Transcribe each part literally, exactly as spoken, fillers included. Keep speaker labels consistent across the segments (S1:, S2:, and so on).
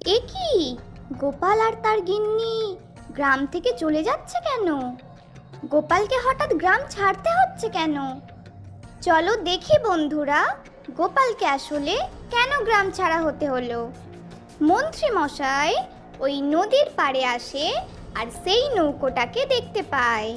S1: এ কি, গোপাল আর তার গিন্নি গ্রাম থেকে চলে যাচ্ছে কেন? গোপালকে হঠাৎ গ্রাম ছাড়তে হচ্ছে কেন? চলো দেখি বন্ধুরা, গোপালকে আসলে কেন গ্রাম ছাড়া হতে হলো। মন্ত্রী মশাই ওই নদীর পাড়ে আসে আর সেই নৌকোটাকে দেখতে পায়।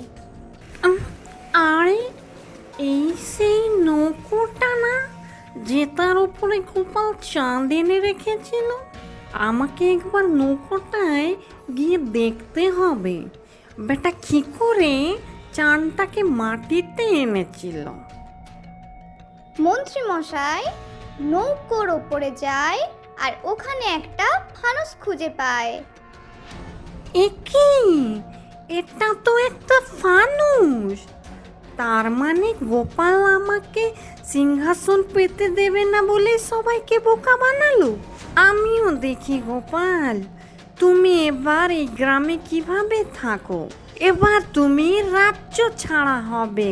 S2: আরে এই সেই নৌকোটা না, যে তার উপরে গোপাল চাঁদ এনে রেখেছিল? আমাকে একবার নৌকোটায় গিয়ে দেখতে হবে বেটা কি করে চাঁদটাকে মাটিতে এনেছিল।
S1: মন্ত্রী মশাই নৌকোর ওপরে যায় আর ওখানে একটা ফানুস খুঁজে পায়।
S2: এ কি, এটা তো একটা ফানুস! তার মানে গোপাল আমাকে সিংহাসন পেতে দেবে না বলে সবাইকে বোকা বানালো। আমিও দেখি গোপাল, তুমি এবার এই গ্রামে কিভাবে থাকো। এবার তুমি রাজ্য ছাড়া হবে।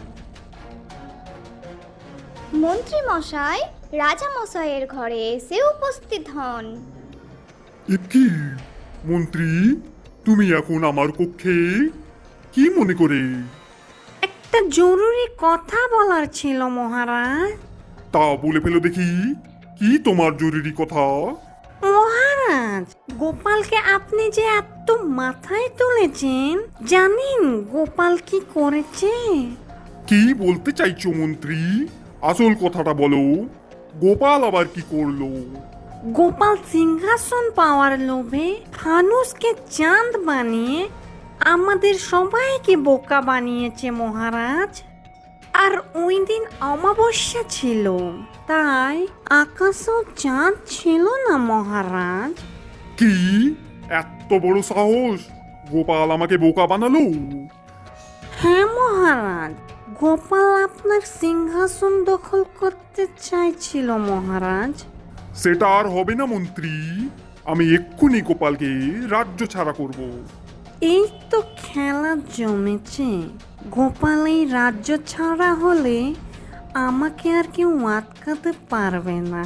S1: মন্ত্রী মশাই রাজা মশাইয়ের ঘরে এসে উপস্থিত হন।
S3: এ কি মন্ত্রী, তুমি এখন আমার কক্ষে কি মনে করে?
S2: একটা জরুরি কথা বলার ছিল মহারাজ।
S3: তা বলে ফেলো দেখি, কি তোমার জরুরি কথা?
S2: মহারাজ, গোপালকে আপনি যে এত মাথায় তুলেছেন, জানেন গোপাল কি করেছে?
S3: কি বলতে চাইছো মন্ত্রী? আসল কথাটা বলো, গোপাল আবার কি করলো?
S2: গোপাল সিংহাসন পাওয়ার লোভে ফানুসকে চাঁদ বানিয়ে আমাদের সবাইকে বোকা বানিয়েছে মহারাজ। আর ওই দিন অমাবস্যা ছিল, তাই আকাশেও চাঁদ ছিল না মহারাজ।
S3: কি এত বড় সাহস! গোপাল আমাকে বোকা বানালো?
S2: হ্যাঁ মহারাজ, গোপাল আপনার সিংহাসন দখল করতে চাইছিল মহারাজ।
S3: সেটা আর হবে না মন্ত্রী, আমি এক্ষুনি গোপালকে রাজ্য ছাড়া করব।
S2: এই তো খেলা জমেছে। গোপাল এই রাজ্য ছাড়া হলে আমাকে আর কেউ আটকাতে পারবে না।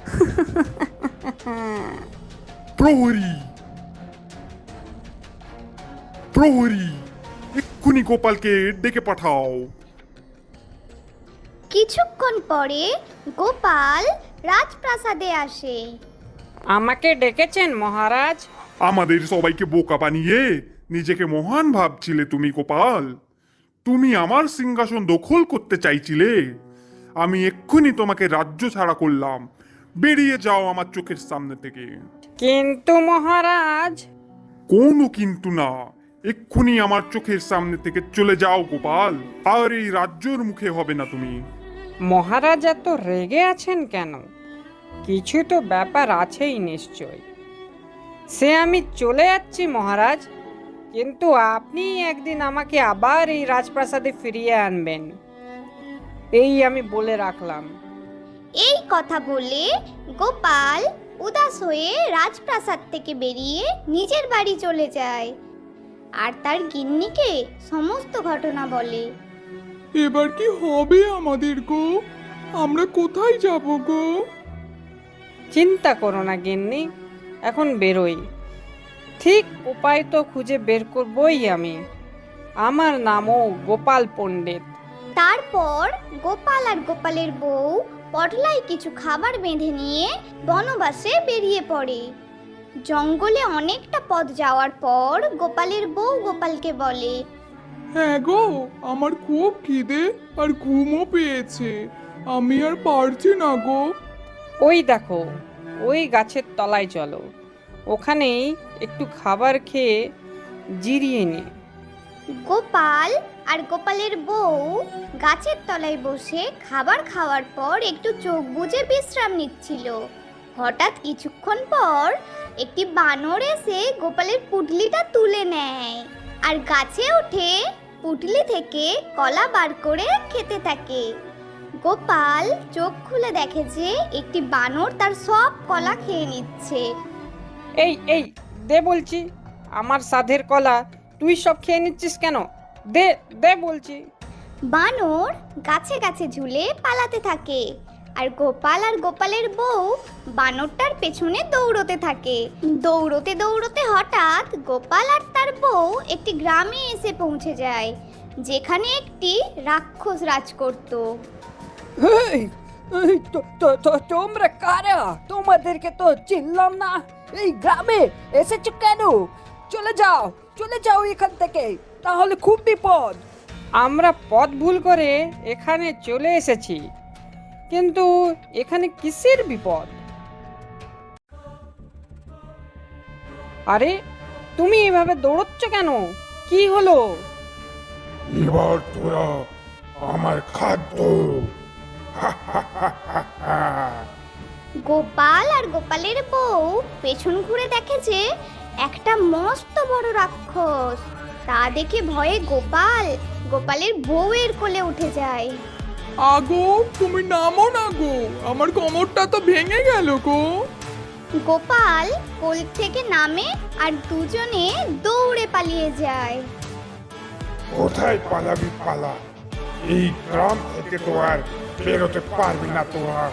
S3: প্রহরী, প্রহরী, এক্ষুনি গোপালকে ডেকে পাঠাও।
S1: কিছুক্ষণ পরে গোপাল রাজপ্রাসাদে আসে।
S2: আমাকে ডেকেছেন মহারাজ?
S3: আমাদের সবাইকে বোকা বানিয়ে নিজেকে মহান ভাবছিলে তুমি গোপাল। তুমি আমার সিংহাসন দখল করতে চাইছিলে, আমি এক্ষুনি তোমাকে রাজ্য ছাড়া করলাম। বেরিয়ে যাও আমার চোখের সামনে থেকে।
S2: কিন্তু মহারাজ।
S3: কোনো কিন্তু না, এক্ষুনি আমার চোখের সামনে থেকে চলে যাও গোপাল, আর এই রাজ্যর মুখে হবে না তুমি।
S4: মহারাজ এত রেগে আছেন কেন? কিছু তো ব্যাপার আছেই নিশ্চয়। সে আমি চলে যাচ্ছি মহারাজ, কিন্তু আপনি একদিন আমাকে আবার এই রাজপ্রাসাদে ফিরিয়ে আনবেন, এই আমি বলে রাখলাম।
S1: এই কথা বলে গোপাল উদাস হয়ে রাজপ্রাসাদ থেকে বেরিয়ে নিজের বাড়ি চলে যায় আর তার গিন্নিকে সমস্ত ঘটনা বলে।
S5: এবার কি হবে আমাদের গো? আমরা কোথায় যাব গো?
S4: চিন্তা করো না গিন্নি, এখন বেরোই। ঠিক উপায় তো খুঁজে বের করবই আমি। আমার নামও গোপাল পণ্ডিত।
S1: তারপর গোপাল আর গোপালের বউ পটলায় কিছু খাবার বেঁধে নিয়ে বনবাসে বেরিয়ে পড়ে। জঙ্গলে অনেকটা পথ যাওয়ার পর গোপালের বউ গোপালকে বলে,
S5: হ্যাঁ গো, আমার খুব খিদে আর ঘুমও পেয়েছে, আমি আর পারছি না গো।
S4: ওই দেখো, ওই গাছের তলায় চলো, ওখানেই একটু খাবার খেয়ে জিরিয়ে নি।
S1: গোপাল আর গোপালের বউ গাছের তলায় বসে খাবার খাওয়ার পর একটু চোখ বুজে বিশ্রাম নিচ্ছিল। হঠাৎ কিছুক্ষণ পর একটি বানর এসে গোপালের পুটলিটা তুলে নেয় আর গাছে উঠে পুটলি থেকে কলা বার করে খেতে থাকে। গোপাল চোখ খুলে দেখে যে একটি বানর তার সব কলা খেয়ে নিচ্ছে।
S4: এই এই দে বলছি, আমার সাধের কলা তুই সব খেয়ে নিচ্ছিস কেন? দে দে বলছি।
S1: বানর গাছে গাছে ঝুলে পালাতে থাকে আর গোপাল আর গোপালের বউ বানরটার পেছনে দৌড়তে থাকে। দৌড়তে দৌড়তে হঠাৎ গোপাল আর তার বউ একটি গ্রামে এসে পৌঁছে যায়, যেখানে একটি রাক্ষস রাজ করত।
S6: এই, এই, তো- তো- তো- তোমরা কারা? তোমাদেরকে তো চিনলাম না। এই গ্রামে এসেছো কেন? চলে যাও, চলে যাও এখান থেকে, তাহলে খুব বিপদ।
S4: আমরা পথ ভুল করে এখানে চলে এসেছি, কিন্তু এখানে কিসের বিপদ? আরে, তুমি এভাবে দৌড়চ্ছ কেন? কি হলো?
S3: এবার তোরা আমার খাদ্য।
S1: গোপাল আর গোপালের বউ পেছন ঘুরে দেখে যে একটা মস্ত বড় রাক্ষস। তা দেখে ভয়ে গোপাল গোপালের বউয়ের কোলে উঠে যায়।
S5: আগো, তুমি নামো না গো, আমার কোমরটা তো ভেঙে গেল গো।
S1: গোপাল কোল থেকে নামে আর দুজনে দৌড়ে পালিয়ে যায়।
S3: কোথায় পালাবি পালা, এই গ্রাম থেকে তো আর বেরোতে পারবি না তোরা।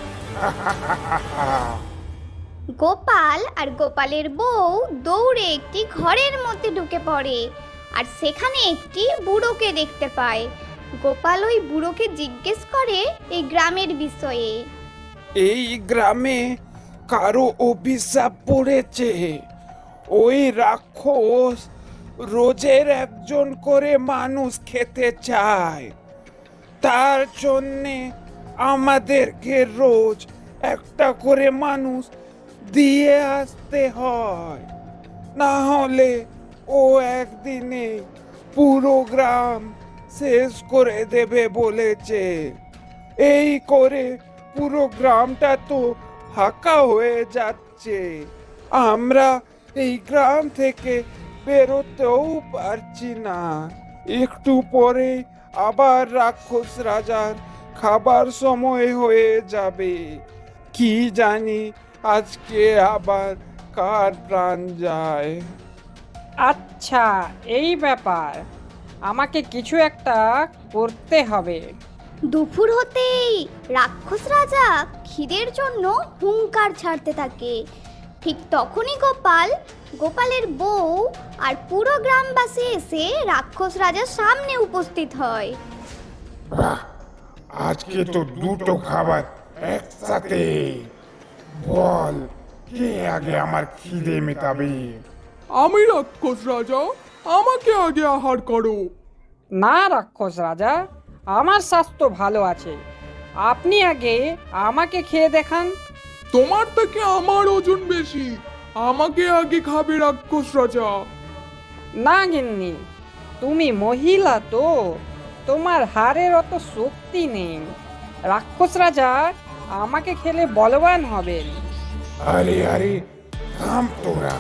S1: গোপাল আর গোপালের বউ দৌড়ে একটি ঘরের মধ্যে ঢুকে পড়ে আর সেখানে একটি বুড়োকে দেখতে পায়। গোপাল ওই বুড়োকে জিজ্ঞেস করে এই গ্রামের বিষয়ে।
S7: এই গ্রামে কারো অভিশাপ পড়েছে। ওই রাক্ষস রোজের একজন করে মানুষ খেতে চায়। তার জন্যে আমাদেরকে রোজ একটা করে মানুষ দিয়ে আসতে হয়, না হলে ও একদিনে পুরো গ্রাম শেষ করে দেবে বলেছে। এই করে পুরো গ্রামটা তো ফাঁকা হয়ে যাচ্ছে। আমরা এই গ্রাম থেকে বেরোতেও পারছি না। একটু পরে আবার রাক্ষস রাজার খাবার সময় হয়ে যাবে। কি জানি আজকে আবার কার প্রাণ যায়।
S4: আচ্ছা, এই ব্যাপার, আমাকে কিছু একটা করতে হবে।
S1: দুপুর হতেই রাক্ষস রাজা খিদের জন্য হুংকার ছাড়তে থাকে। ঠিক তখনই গোপাল, গোপালের বউ আর পুরো গ্রামবাসী এসে রাক্ষস রাজার সামনে উপস্থিত হয়।
S3: আজকে তো দুটো খাবার একসাথে। বল, কে আগে আমার খিদে মেটাবে?
S5: আমি রাক্ষস রাজা, আমাকে আগে আহার করো।
S4: না রাক্ষস রাজা, আমার স্বাস্থ্য ভালো আছে, আপনি আগে আমাকে খেয়ে দেখান।
S5: তোমার থেকে আমার ওজন বেশি, আমাকে আগে খাবে রাক্ষস রাজা।
S4: না গিন্নি, তুমি মহিলা তো, তোমার হাড়ের অত শক্তি নেই। রাক্ষস রাজা আমাকে খেলে বলবান হবেন।
S3: আরে আরে, থাম তোরা।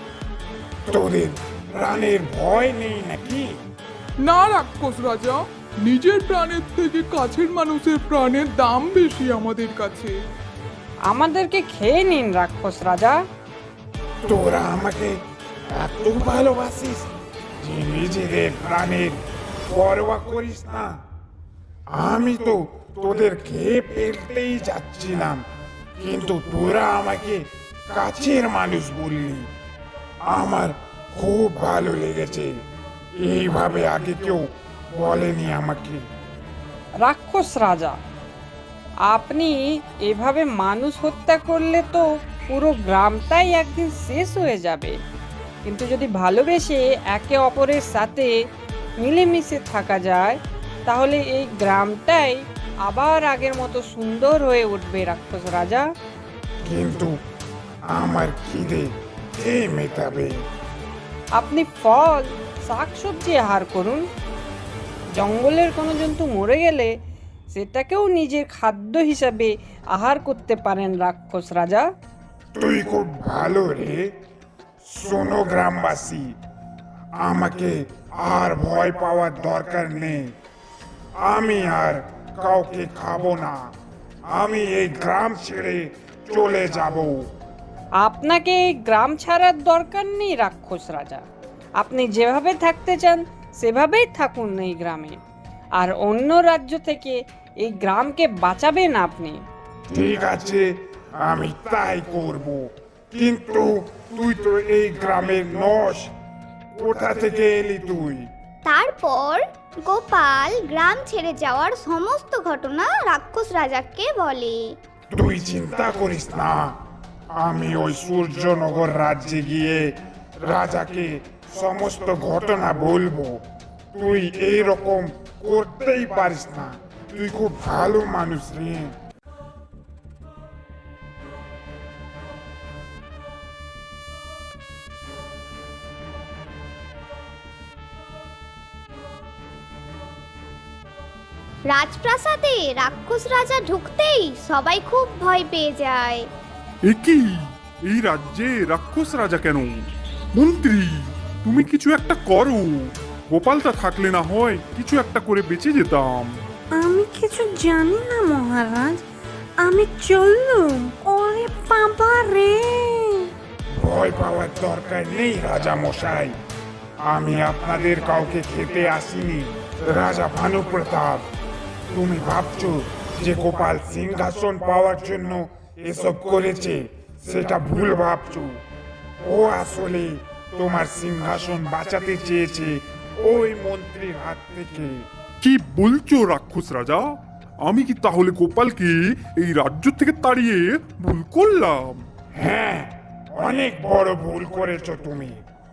S3: তোদের প্রাণের ভয় নেই নাকি?
S5: না রাক্ষস রাজা, নিজের প্রাণের থেকে কাছের মানুষের প্রাণের দাম বেশি আমাদের কাছে।
S4: আমাদেরকে খেয়ে নিন রাক্ষস রাজা।
S3: তোরা আমাকে এত ভালোবাসিস যে নিজেদের প্রাণের পরোয়া করিস না? আমি তো তোদের খেয়ে ফেলতেই যাচ্ছিলাম, কিন্তু তোরা আমাকে কাছের মানুষ বললি। আমার খুব ভালো লেগেছে, এইভাবে আগে কেউ বলেনি আমাকে।
S4: রাক্ষস রাজা, আপনি এভাবে মানুষ হত্যা করলে তো পুরো গ্রামটাই একদিন শেষ হয়ে যাবে। কিন্তু যদি ভালোবেসে একে অপরের সাথে মিলেমিশে থাকা যায়, তাহলে এই গ্রামটাই আবার আগের মতো সুন্দর হয়ে উঠবে রাক্ষস রাজা।
S3: কিন্তু আমার খিদে কে মেটাবে?
S4: আপনি ফল শাকসবজি আহার করুন। জঙ্গলের কোনো জন্তু মরে গেলে সেটাকেও নিজের খাদ্য হিসাবে আহার করতে পারেন রাক্ষস রাজা।
S3: তুই খুব ভালো রে। শোনো গ্রামবাসী, আমাকে আর ভয় পাওয়ার দরকার নেই। আমি আর কাউকে খাবো না। আমি এই গ্রাম ছেড়ে চলে যাব।
S4: আপনাকে এই গ্রাম ছাড়ার দরকার নেই রাক্ষস রাজা। আপনি যেভাবে থাকতে চান সেভাবেই থাকুন এই গ্রামে, আর অন্য রাজ্য থেকে এই গ্রামকে বাঁচাবেন আপনি।
S7: ঠিক আছে, আমি তাই করব। কিন্তু তুই তো এই গ্রামের নস, কোথা থেকে এলি তুই?
S1: তারপর গোপাল গ্রাম ছেড়ে যাওয়ার সমস্ত ঘটনা রাক্ষস রাজাকে বলে।
S7: তুই চিন্তা করিস না, আমি ওই সূর্যনগর রাজ্যে গিয়ে রাজাকে সমস্ত ঘটনা বলবো। তুই এই রকম করতেই পারিস না, তুই খুব ভালো মানুষ রে।
S1: রাজপ্রাসাদে রাক্ষস রাজা ঢুকতেই সবাই খুব ভয় পেয়ে যায়।
S3: এ কি, এই রাজ্যে রাক্ষস রাজা কেন? মন্ত্রী, তুমি কিছু একটা করো। গোপালটা থাকলে না হয় কিছু একটা করে বেঁচে যেতাম।
S2: আমি কিছু জানি না মহারাজ, আমি চললুম। ওরে বাবা রে!
S7: ভয় পাওয়ার দরকার নেই রাজা মশাই, আমি আপনাদের কাউকে খেতে আসিনি। রাজা ভানু প্রতাপ, তুমি ভাবছো যে গোপাল সিংহাসন পাওয়ার জন্য এসব করেছে, সেটা ভুল ভাবছো। ও আসলে তোমার সিংহাসন বাঁচাতে চেয়েছে ওই মন্ত্রীর হাত থেকে।
S3: কি বলছো রাক্ষস রাজা? আমি কি তাহলে গোপালকে এই রাজ্য থেকে তাড়িয়ে ভুল করলাম?
S7: হ্যাঁ, অনেক বড় ভুল করেছো তুমি।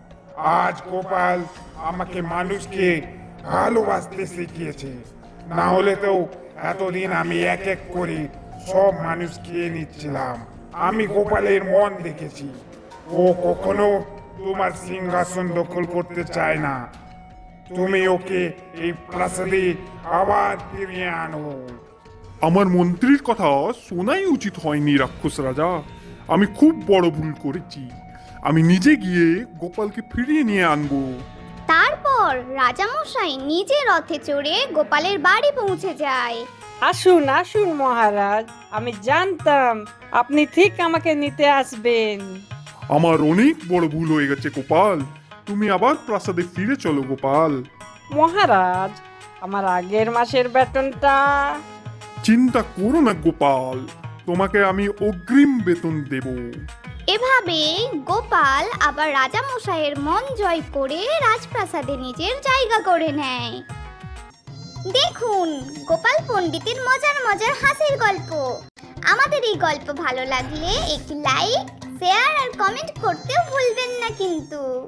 S7: আজ গোপাল আমাকে মানুষকে ভালোবাসতে শিখিয়েছে, না হলে তো এতদিন আমি এক এক করে সব মানুষ খেয়ে নিচ্ছিলাম। আমি গোপালের মন দেখেছি, ও কখনো তোমার সিংহাসন দখল করতে চায় না। তুমি ওকে এই প্রাসাদে আবার ফিরিয়ে আনো।
S3: আমার মন্ত্রীর কথা শোনাই উচিত হয়নি রাক্ষস রাজা। আমি খুব বড় ভুল করেছি। আমি নিজে গিয়ে গোপালকে ফিরিয়ে নিয়ে আনবো।
S1: তারপর রাজামশাই নিজে রথে চড়ে গোপালের বাড়ি পৌঁছে যায়।
S4: আসুন আসুন মহারাজ, আমি জানতাম আপনি ঠিক আমাকে নিতে আসবেন।
S3: আমার অনেক বড় ভুল হয়ে গেছে গোপাল, তুমি আবার প্রাসাদে ফিরে চলো গোপাল।
S4: মহারাজ, আমার আগের মাসের বেতনটা।
S3: চিন্তা করো না গোপাল, তোমাকে আমি অগ্রিম বেতন দেব।
S1: এভাবে গোপাল আবার রাজামশাইয়ের মন জয় করে রাজপ্রাসাদে নিজের জায়গা করে নেয়। দেখুন গোপাল পণ্ডিতের মজার মজার হাসির গল্প। আমাদের এই গল্প ভালো লাগলে একটি লাইক, শেয়ার আর কমেন্ট করতেও ভুলবেন না কিন্তু।